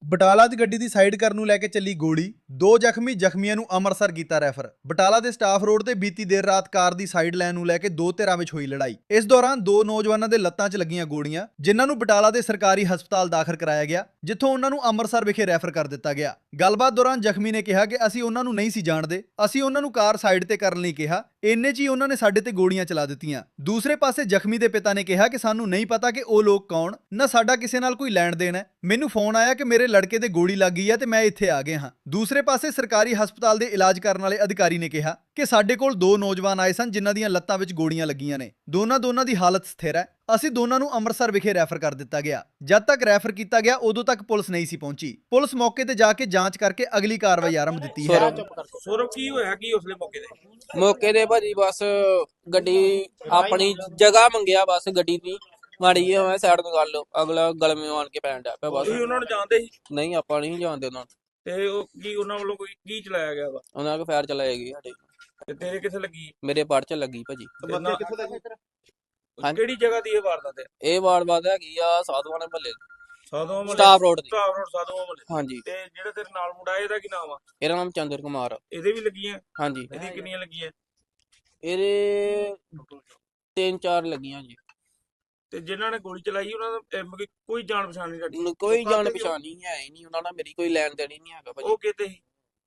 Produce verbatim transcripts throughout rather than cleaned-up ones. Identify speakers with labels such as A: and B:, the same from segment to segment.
A: ਬਟਾਲਾ 'ਚ ਗੱਡੀ ਦੀ ਸਾਈਡ ਕਰਨ ਨੂੰ ਲੈ ਕੇ ਚੱਲੀ ਗੋਲੀ, ਦੋ ਜ਼ਖਮੀ ਜ਼ਖਮੀਆਂ ਨੂੰ ਅੰਮ੍ਰਿਤਸਰ ਕੀਤਾ ਰੈਫਰ। ਬਟਾਲਾ ਦੇ ਸਟਾਫ ਰੋਡ ਤੇ ਬੀਤੀ ਦੇਰ ਰਾਤ ਕਾਰ ਦੀ ਸਾਈਡ ਲੈਣ ਨੂੰ ਲੈ ਕੇ ਦੋ ਧਿਰਾਂ ਵਿੱਚ ਹੋਈ ਲੜਾਈ। ਇਸ ਦੌਰਾਨ ਦੋ ਨੌਜਵਾਨਾਂ ਦੇ ਲੱਤਾਂ 'ਚ ਲੱਗੀਆਂ ਗੋਲੀਆਂ, ਜਿਨ੍ਹਾਂ ਨੂੰ ਬਟਾਲਾ ਦੇ ਸਰਕਾਰੀ ਹਸਪਤਾਲ ਦਾਖਲ ਕਰਾਇਆ ਗਿਆ, ਜਿੱਥੋਂ ਉਹਨਾਂ ਨੂੰ ਅੰਮ੍ਰਿਤਸਰ ਵਿਖੇ ਰੈਫਰ ਕਰ ਦਿੱਤਾ ਗਿਆ। ਗੱਲਬਾਤ ਦੌਰਾਨ ਜ਼ਖਮੀ ਨੇ ਕਿਹਾ ਕਿ ਅਸੀਂ ਉਹਨਾਂ ਨੂੰ ਨਹੀਂ ਸੀ ਜਾਣਦੇ, ਅਸੀਂ ਉਹਨਾਂ ਨੂੰ ਕਾਰ ਸਾਈਡ ਤੇ ਕਰਨ ਲਈ ਕਿਹਾ, ਇੰਨੇ 'ਚ ਹੀ ਉਹਨਾਂ ਨੇ ਸਾਡੇ ਤੇ ਗੋਲੀਆਂ ਚਲਾ ਦਿੱਤੀਆਂ। ਦੂਸਰੇ ਪਾਸੇ ਜ਼ਖਮੀ ਦੇ ਪਿਤਾ ਨੇ ਕਿਹਾ ਕਿ ਸਾਨੂੰ ਨਹੀਂ ਪਤਾ ਕਿ ਉਹ ਲੋਕ ਕੌਣ, ਨਾ ਸਾਡਾ ਕਿਸੇ ਨਾਲ ਕੋਈ ਲੈਣ ਦੇਣ ਹੈ। ਮੈਨੂੰ ਫੋਨ ਆਇਆ ਕਿ ਮੇਰੇ ਲੜਕੇ ਦੇ ਗੋਲੀ ਲੱਗ ਗਈ ਹੈ ਤੇ ਮੈਂ ਇੱਥੇ ਆ ਗਿਆ ਹਾਂ। ਦੂਸਰੇ ਪਾਸੇ ਸਰਕਾਰੀ ਹਸਪਤਾਲ ਦੇ ਇਲਾਜ ਕਰਨ ਵਾਲੇ ਅਧਿਕਾਰੀ ਨੇ ਕਿਹਾ ਕਿ ਸਾਡੇ ਕੋਲ ਦੋ ਨੌਜਵਾਨ ਆਏ ਸਨ ਜਿਨ੍ਹਾਂ ਦੀਆਂ ਲੱਤਾਂ ਵਿੱਚ ਗੋਲੀਆਂ ਲੱਗੀਆਂ ਨੇ। ਦੋਨਾਂ ਦੋਨਾਂ ਦੀ ਹਾਲਤ ਸਥਿਰ ਹੈ। ਅਸੀਂ ਦੋਨਾਂ ਨੂੰ ਅੰਮ੍ਰਿਤਸਰ ਵਿਖੇ ਰੈਫਰ ਕਰ ਦਿੱਤਾ ਗਿਆ। ਜਦ ਤੱਕ ਰੈਫਰ ਕੀਤਾ ਗਿਆ ਉਦੋਂ ਤੱਕ ਪੁਲਿਸ ਨਹੀਂ ਸੀ ਪਹੁੰਚੀ। ਪੁਲਿਸ ਮੌਕੇ ਤੇ ਜਾ ਕੇ ਜਾਂਚ ਕਰਕੇ ਅਗਲੀ ਕਾਰਵਾਈ ਆਰੰਭ ਦਿੱਤੀ ਹੈ।
B: ਸੌਰਵ ਕੀ ਹੋਇਆ ਕੀ ਉਸਲੇ ਮੌਕੇ ਤੇ
C: ਮੌਕੇ ਤੇ ਭਾਜੀ ਬਸ ਗੱਡੀ ਆਪਣੀ ਜਗ੍ਹਾ ਮੰਗਿਆ, ਬਸ ਗੱਡੀ ਦੀ ਮਾੜੀ ਜਿਹੀ ਮੈਂ ਸਾਈਡ ਤੋਂ ਕਰ ਲਓ, ਅਗਲਾ ਗਲਮੇ ਆਣ ਕੇ ਪੈਣ ਡਿਆ ਪਿਆ। ਬਸ
B: ਤੁਸੀਂ ਉਹਨਾਂ ਨੂੰ ਜਾਣਦੇ ਸੀ?
C: ਨਹੀਂ, ਆਪਾਂ ਨਹੀਂ ਜਾਣਦੇ ਉਹਨਾਂ ਨੂੰ।
B: ਤੇ ਉਹ ਕੀ ਉਹਨਾਂ ਵੱਲੋਂ ਕੋਈ ਕੀ ਚਲਾਇਆ ਗਿਆ ਵਾ?
C: ਉਹਨਾਂ ਕੋਲ ਫਾਇਰ ਚਲਾਏਗੀ ਸਾਡੇ।
B: ਤੇ ਤੇਰੇ ਕਿੱਥੇ ਲੱਗੀ?
C: ਮੇਰੇ ਪੜ ਚ ਲੱਗੀ ਭਾਜੀ। ਹਾਂਜੀ।
B: ਕਿਹੜੀ ਜਗ੍ਹਾ ਦੀ ਇਹ ਵਾਰਦਾਤ ਹੈ?
C: ਇਹ ਵਾਰਦਾਤ ਹੈਗੀ ਆ ਸਾਧੂਆਂ ਦੇ ਮਹੱਲੇ,
B: ਸਾਧੂਆਂ ਮਹੱਲੇ,
C: ਸਟਾਫ ਰੋਡ ਤੇ।
B: ਸਟਾਫ ਰੋਡ ਸਾਧੂਆਂ ਮਹੱਲੇ।
C: ਹਾਂਜੀ।
B: ਤੇ ਜਿਹੜਾ ਤੇਰੇ ਨਾਲ ਮੁੰਡਾ ਇਹਦਾ ਕੀ ਨਾਮ ਆ?
C: ਇਹਦਾ ਨਾਮ ਚੰਦਰ ਕੁਮਾਰ ਆ।
B: ਇਹਦੇ ਵੀ ਲੱਗੀਆਂ?
C: ਹਾਂਜੀ।
B: ਇਹਦੀ ਕਿੰਨੀਆਂ ਲੱਗੀਆਂ?
C: ਇਹਦੇ ਤਿੰਨ ਚਾਰ ਲੱਗੀਆਂ ਜੀ।
B: ਤੇ ਜਿਨ੍ਹਾਂ ਨੇ ਗੋਲੀ ਚਲਾਈ ਉਹਨਾਂ ਦਾ ਮਤਲਬ ਕੋਈ ਜਾਣ ਪਛਾਣ ਨਹੀਂ ਸਾਡੀ?
C: ਕੋਈ ਜਾਣ ਪਛਾਣ ਨਹੀਂ ਹੈ ਹੀ ਨਹੀਂ ਉਹਨਾਂ ਨਾਲ, ਮੇਰੀ ਕੋਈ ਲੈਣ ਦੇਣ ਹੀ ਨਹੀਂ ਹੈਗਾ ਭਾਜੀ।
B: ਉਹ ਕਿਤੇ ਸੀ?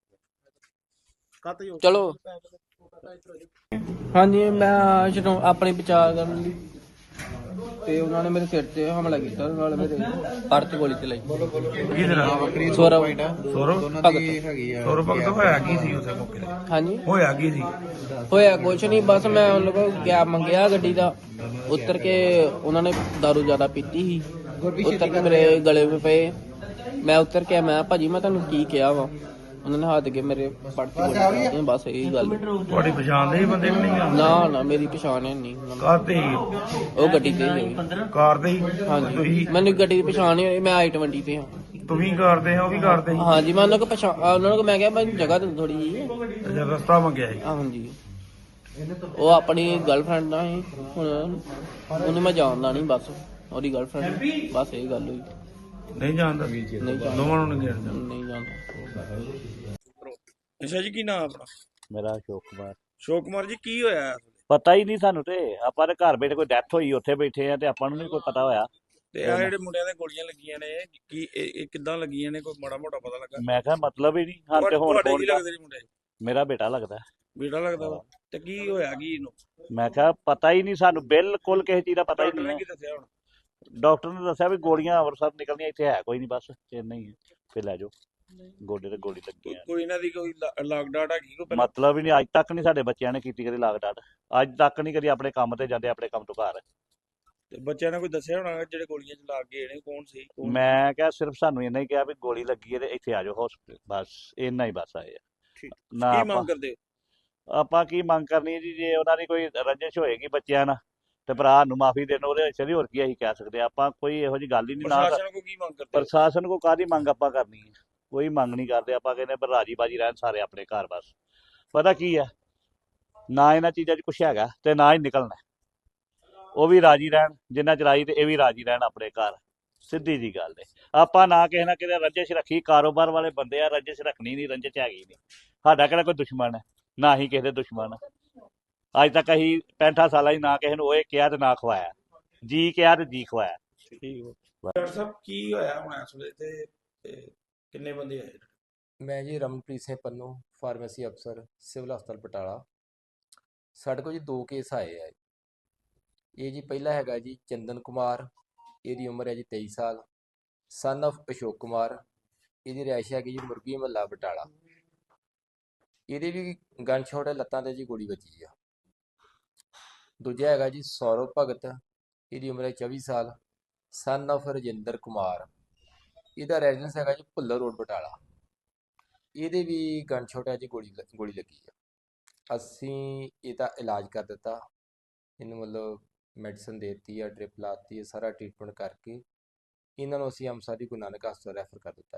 C: ਚਲੋ ਹਾਂਜੀ, ਮੈਂ ਜਦੋਂ ਆਪਣੀ ਬਚਾਅ ਕਰਨ ਲਈ ਤੇ ਉਹਨਾਂ ਨੇ ਮੇਰੇ ਸਿਰ ਤੇ ਹਮਲਾ ਕੀਤਾ, ਨਾਲ ਮੇਰੇ ਪੜ ਤੇ ਗੋਲੀ ਚਲਾਈ।
B: ਕੀ ਤੇਰਾ
C: ਸੌਰਵ
B: ਸੌਰਵ
C: ਭਗਤ।
B: ਸੌਰਵ ਭਗਤ ਹੋਇਆ ਕੀ ਸੀ ਉਸੇ ਮੌਕੇ ਤੇ?
C: ਹਾਂਜੀ,
B: ਹੋਇਆ ਕੀ ਸੀ?
C: ਹੋਇਆ ਕੁਛ ਨਹੀਂ, ਬਸ ਮੈਂ ਉਹਨਾਂ ਕੋਲ ਕੈਬ ਮੰਗਿਆ ਗੱਡੀ ਦਾ, ਉਤਰ ਕੇ ਉਹਨਾਂ ਨੇ ਦਾਰੂ ਜ਼ਿਆਦਾ ਪੀਤੀ ਸੀ, ਉਤਰ ਕੇ ਮੇਰੇ ਗਲੇ ਵਿੱਚ ਪਏ। ਮੈਂ ਉਤਰ ਕੇ ਮੈਂ ਭਾਜੀ ਮੈਂ ਤੁਹਾਨੂੰ ਕੀ ਕਿਹਾ ਵਾ? ਉਹਨਾਂ ਨੇ ਹੱਥ ਕੇ ਮੇਰੇ ਪੜ ਤੇ ਗੋਲੀ ਚਲਾਈ। ਬਸ ਇਹੀ ਗੱਲ।
B: ਤੁਹਾਡੀ ਪਛਾਣ ਦੇ ਬੰਦੇ ਕਿ ਨਹੀਂ?
C: ਨਾ ਨਾ, ਮੇਰੀ ਪਛਾਣ ਹੈ ਨਹੀਂ।
B: ਕਾਰ ਤੇ ਹੀ?
C: ਉਹ ਗੱਡੀ ਤੇ ਹੀ।
B: ਕਾਰ ਤੇ ਹੀ?
C: ਹਾਂਜੀ, ਮੈਨੂੰ ਗੱਡੀ ਦੀ ਪਛਾਣ ਨਹੀਂ ਹੋਈ। ਮੈਂ ਆਈ ਟਵੰਟੀ ਤੇ ਹਾਂ।
B: ਤੂੰ ਵੀ ਕਰਦੇ ਆ, ਉਹ ਵੀ ਕਰਦੇ?
C: ਹਾਂਜੀ, ਮੈਂ ਉਹਨਾਂ ਕੋ ਪਛਾਣ ਉਹਨਾਂ ਨੂੰ ਮੈਂ ਕਿਹਾ ਮੈਂ ਜਗ੍ਹਾ ਦੇ ਥੋੜੀ ਜੀ।
B: ਅੱਛਾ, ਰਸਤਾ ਮੰਗਿਆ ਸੀ?
C: ਹਾਂਜੀ, ਉਹ ਆਪਣੀ ਗਰਲਫ੍ਰੈਂਡ ਨਾਲ ਸੀ, ਹੁਣ ਉਹਨੂੰ ਮੈਂ ਜਾਣਦਾ ਨਹੀਂ, ਬਸ ਉਹਦੀ ਗਰਲਫ੍ਰੈਂਡ, ਬਸ ਇਹ ਗੱਲ ਹੋਈ।
B: ਨਹੀਂ ਜਾਣਦਾ?
C: ਨਹੀਂ ਜਾਣਦਾ,
B: ਦੋਵਾਂ ਨੂੰ ਨਹੀਂ ਜਾਣਦਾ?
C: ਨਹੀਂ ਜਾਣਦਾ।
B: ਅੱਛਾ ਜੀ, ਕੀ ਨਾਮ ਆਪਣਾ?
D: ਮੇਰਾ ਅਸ਼ੋਕ ਕੁਮਾਰ।
B: ਅਸ਼ੋਕ ਕੁਮਾਰ ਜੀ, ਕੀ ਹੋਇਆ?
D: ਪਤਾ ਹੀ ਨਹੀਂ ਸਾਨੂੰ, ਤੇ ਆਪਾਂ ਦੇ ਘਰ ਬੈਠੇ ਕੋਈ ਡੈਥ ਹੋਈ ਉੱਥੇ ਬੈਠੇ ਆ ਤੇ ਆਪਾਂ ਨੂੰ ਨਹੀਂ ਕੋਈ ਪਤਾ ਹੋਇਆ।
B: ਤੇ ਆ ਜਿਹੜੇ ਮੁੰਡਿਆਂ ਦੇ ਗੋਲੀਆਂ ਲੱਗੀਆਂ ਨੇ, ਕੀ ਇਹ ਇਹ ਕਿੱਦਾਂ ਲੱਗੀਆਂ ਨੇ? ਕੋਈ ਮਾੜਾ ਮੋਟਾ ਪਤਾ ਲੱਗਾ?
D: ਮੈਂ ਕਿਹਾ ਮਤਲਬ ਹੀ ਨਹੀਂ ਹਾਂ ਤੇ ਹੁਣ
B: ਤੁਹਾਡੇ ਕੀ ਲੱਗਦੇ ਨੇ ਮੁੰਡੇ?
D: ਮੇਰਾ ਬੇਟਾ ਲੱਗਦਾ।
B: ਬੇਟਾ ਲੱਗਦਾ ਵਾ? ਤੇ ਕੀ ਹੋਇਆ ਕੀ ਇਹਨੂੰ?
D: ਮੈਂ ਕਿਹਾ ਪਤਾ ਹੀ ਨਹੀਂ ਸਾਨੂੰ, ਬਿਲਕੁਲ ਕਿਸੇ ਚੀਜ਼ ਦਾ ਪਤਾ ਹੀ
B: ਡਾਕਟਰ ਨੇ
D: ਨਹੀਂ।
B: ਕੀ ਦੱਸਿਆ ਹੁਣ?
D: ਡਾਕਟਰ ਨੇ ਦੱਸਿਆ ਵੀ ਗੋਲੀਆਂ ਅੰਮ੍ਰਿਤਸਰ ਨਿਕਲਣੀਆਂ, ਇੱਥੇ ਹੈ ਕੋਈ ਨਹੀਂ, ਬਸ ਇੰਨਾ ਹੀ ਹੈ, ਫਿਰ ਲੈ ਜਾਓ। ਗੋਡੇ ਤੇ ਗੋਲੀ ਲੱਗੀ ਆ।
B: ਕੋਈ ਇਹਨਾਂ ਦੀ ਕੋਈ ਲਾਗ ਡਾਟ ਹੈਗੀ ਕੋਈ ਪਹਿਲਾਂ?
D: ਮਤਲਬ ਹੀ ਨਹੀਂ, ਅੱਜ ਤੱਕ ਨਹੀਂ ਸਾਡੇ ਬੱਚਿਆਂ ਨੇ ਕੀਤੀ ਕਦੀ ਲਾਗ ਡਾਟ, ਅੱਜ ਤੱਕ ਨਹੀਂ ਕਦੀ ਆਪਣੇ ਕੰਮ ਤੇ ਜਾਂਦੇ, ਆਪਣੇ ਕੰਮ ਤੋਂ ਘਰ।
B: ਤੇ ਬੱਚਿਆਂ ਨੇ ਕੋਈ ਦੱਸਿਆ ਹੋਣਾ ਜਿਹੜੇ ਗੋਲੀਆਂ ਚ ਲੱਗ ਗਏ ਨੇ ਕੌਣ ਸੀ?
D: ਮੈਂ ਕਿਹਾ ਸਿਰਫ ਸਾਨੂੰ ਇੰਨਾ ਹੀ ਕਿਹਾ ਵੀ ਗੋਲੀ ਲੱਗੀ ਹੈ ਤੇ ਇੱਥੇ ਆ ਜਾਓ ਹਸਪੀਟਲ, ਬਸ ਇੰਨਾ ਹੀ ਬਸ ਆਏ ਆ। ਨਾ
B: ਕੀ
D: ਆਪਾਂ
B: ਮੰਗ ਕਰਦੇ?
D: ਆਪਾਂ ਕੀ ਮੰਗ ਕਰਨੀ ਹੈ ਜੀ? ਜੇ ਉਹਨਾਂ ਦੀ ਕੋਈ ਰੰਜਿਸ਼ ਹੋਏਗੀ ਬੱਚਿਆਂ ਨਾਲ ਤੇ ਭਰਾ ਨੂੰ ਮਾਫੀ ਦੇਣ, ਉਹਦੇ ਵਿੱਚ ਹੋਰ ਕੀ ਅਸੀਂ ਕਹਿ ਸਕਦੇ ਆ? ਆਪਾਂ ਕੋਈ ਇਹੋ ਜਿਹੀ ਗੱਲ ਹੀ ਨਹੀਂ। ਨਾ
B: ਪ੍ਰਸ਼ਾਸਨ ਕੋ ਕੀ ਮੰਗ ਕਰਦੇ?
D: ਪ੍ਰਸ਼ਾਸਨ ਕੋ ਕਾਹਦੀ ਮੰਗ ਆਪਾਂ ਕਰਨੀ ਹੈ? ਕੋਈ ਮੰਗ ਨਹੀਂ ਕਰਦੇ ਆਪਾਂ, ਕਹਿੰਦੇ ਪਰ ਰਾਜੀ ਬਾਜੀ ਰਹਿਣ ਸਾਰੇ ਆਪਣੇ ਘਰ। ਬਸ ਪਤਾ ਕੀ ਹੈ, ਨਾ ਇਹਨਾਂ ਚੀਜ਼ਾਂ 'ਚ ਕੁਛ ਹੈਗਾ ਤੇ ਨਾ ਹੀ ਨਿਕਲਣਾ। ਉਹ ਵੀ ਰਾਜੀ ਰਹਿਣ ਜਿੰਨਾ ਚਲਾਈ ਤੇ ਇਹ ਵੀ ਰਾਜੀ ਰਹਿਣ ਆਪਣੇ ਘਰ, ਸਿੱਧੀ ਜੀ ਗੱਲ ਹੈ। ਆਪਾਂ ਨਾ ਕਿਸੇ ਨਾ ਕਿਤੇ ਰੰਜਿਸ਼ ਰੱਖੀ, ਕਾਰੋਬਾਰ ਵਾਲੇ ਬੰਦੇ ਆ, ਰੰਜਿਸ਼ ਰੱਖਣੀ ਨਹੀਂ, ਰੰਜਿਸ਼ ਹੈਗੀ ਨਹੀਂ। ਸਾਡਾ ਕਿਹੜਾ ਕੋਈ ਦੁਸ਼ਮਣ ਹੈ? ਨਾ ਹੀ ਕਿਸੇ ਦੇ ਦੁਸ਼ਮਣ। ਅੱਜ ਤੱਕ ਅਸੀਂ ਪੈਂਠਾਂ ਸਾਲਾਂ 'ਚ ਨਾ ਕਿਸੇ ਨੂੰ ਉਹ ਕਿਹਾ ਤੇ ਨਾ ਖਵਾਇਆ, ਜੀ ਕਿਹਾ ਤੇ ਜੀ ਖਵਾਇਆ।
B: ਡਾਕਟਰ ਸਾਹਿਬ ਕੀ ਹੋਇਆ ਹੁਣ ਇਸ ਵੇਲੇ ਤੇ ਕਿੰਨੇ ਬੰਦੇ ਆਏ?
E: ਮੈਂ ਜੀ ਰਮਨਪ੍ਰੀਤ ਸਿੰਘ ਪੰਨੂ, ਫਾਰਮੇਸੀ ਅਫਸਰ, ਸਿਵਲ ਹਸਪਤਾਲ ਬਟਾਲਾ। ਸਾਡੇ ਕੋਲ ਜੀ ਦੋ ਕੇਸ ਆਏ ਆ। ਇਹ ਜੀ ਪਹਿਲਾ ਹੈਗਾ ਜੀ ਚੰਦਨ ਕੁਮਾਰ, ਇਹਦੀ ਉਮਰ ਹੈ ਜੀ ਤੇਈ ਸਾਲ, ਸਨ ਆਫ ਅਸ਼ੋਕ ਕੁਮਾਰ। ਇਹਦੀ ਰਿਹਾਇਸ਼ ਹੈਗੀ ਜੀ ਮੁਰਗੀ ਮਹੱਲਾ ਬਟਾਲਾ। ਇਹਦੇ ਵੀ ਗਨ ਸ਼ਾਟ ਹੈ, ਲੱਤਾਂ ਤੇ ਜੀ ਗੋਲੀ ਵੱਜੀ ਆ। ਦੂਜਾ ਹੈਗਾ ਜੀ ਸੌਰਵ ਭਗਤ, ਇਹਦੀ ਉਮਰ ਹੈ ਚੌਵੀ ਸਾਲ, ਸਨ ਆਫ ਰਜਿੰਦਰ ਕੁਮਾਰ। ਇਹਦਾ ਰੈਜ਼ੀਡੈਂਸ ਹੈਗਾ ਜੀ ਭੁੱਲਰ ਰੋਡ ਬਟਾਲਾ। ਇਹਦੇ ਵੀ ਗਨ ਸ਼ਾਟ ਹੈ ਜੀ, ਗੋਲੀ ਗੋਲੀ ਲੱਗੀ ਆ। ਅਸੀਂ ਇਹਦਾ ਇਲਾਜ ਕਰ ਦਿੱਤਾ, ਇਹਨੂੰ ਮਤਲਬ ਮੈਡੀਸਨ ਦੇ ਦਿੱਤੀ ਆ, ਡ੍ਰਿਪ ਲਾਤੀ ਹੈ, ਸਾਰਾ ਟ੍ਰੀਟਮੈਂਟ ਕਰਕੇ ਇਹਨਾਂ ਨੂੰ ਅਸੀਂ ਅੰਮ੍ਰਿਤਸਰ ਦੀ ਗੁਰੂ ਨਾਨਕ ਹਸਪਤਾਲ ਰੈਫਰ ਕਰ ਦਿੱਤਾ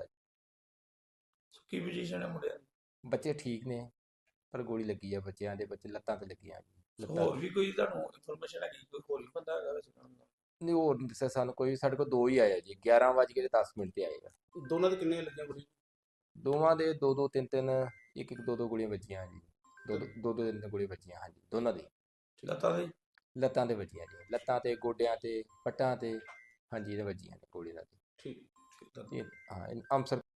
E: ਜੀ।
B: ਕੀ ਪੋਜੀਸ਼ਨ ਹੈ ਮੁੰਡਿਆਂ ਦੀ?
E: ਬੱਚੇ ਠੀਕ ਨੇ, ਪਰ ਗੋਲੀ ਲੱਗੀ ਆ ਬੱਚਿਆਂ ਦੇ, ਬੱਚੇ ਲੱਤਾਂ ਤੇ ਲੱਗੀਆਂ ਜੀ।
B: ਹੋਰ ਵੀ ਕੋਈ ਤੁਹਾਨੂੰ ਇਨਫੋਰਮੇਸ਼ਨ ਹੈਗੀ ਕੋਈ ਹੋਰ ਵੀ ਬੰਦਾ ਹੈਗਾ ਵੈਸੇ?
E: ਨਹੀਂ ਹੋਰ ਨਹੀਂ ਦੱਸਿਆ ਸਾਨੂੰ ਕੋਈ, ਸਾਡੇ ਕੋਲ ਦੋ ਹੀ ਆਏ ਆ ਜੀ, ਗਿਆਰਾਂ ਵੱਜ ਕੇ ਦਸ ਮਿੰਟ ਤੇ ਆਏਗਾ।
B: ਦੋਨਾਂ ਦੇ ਕਿੰਨੇ ਲੱਗੀਆਂ ਗੋਲੀ?
E: ਦੋਵਾਂ ਦੇ ਦੋ ਦੋ ਤਿੰਨ ਤਿੰਨ ਇੱਕ ਇੱਕ ਦੋ ਦੋ ਗੋਲੀਆਂ ਵੱਜੀਆਂ ਜੀ, ਦੋ ਦੋ ਦੋ ਦੋ ਤਿੰਨ ਤਿੰਨ ਗੋਲੀਆਂ ਵੱਜੀਆਂ ਹਾਂਜੀ ਦੋਨਾਂ ਦੀ।
B: ਲੱਤਾਂ ਦੇ?
E: ਲੱਤਾਂ ਤੇ ਵੱਜੀਆਂ ਜੀ, ਲੱਤਾਂ ਤੇ ਗੋਡਿਆਂ ਤੇ ਪੱਟਾਂ ਤੇ ਹਾਂਜੀ ਇਹਦੇ ਵੱਜੀਆਂ ਨੇ ਗੋਲੀ ਨਾਲ।
B: ਠੀਕ ਠੀਕ ਤਾਂ
E: ਇਹ ਹਾਂ ਇਹ ਅੰਮ੍ਰਿਤਸਰ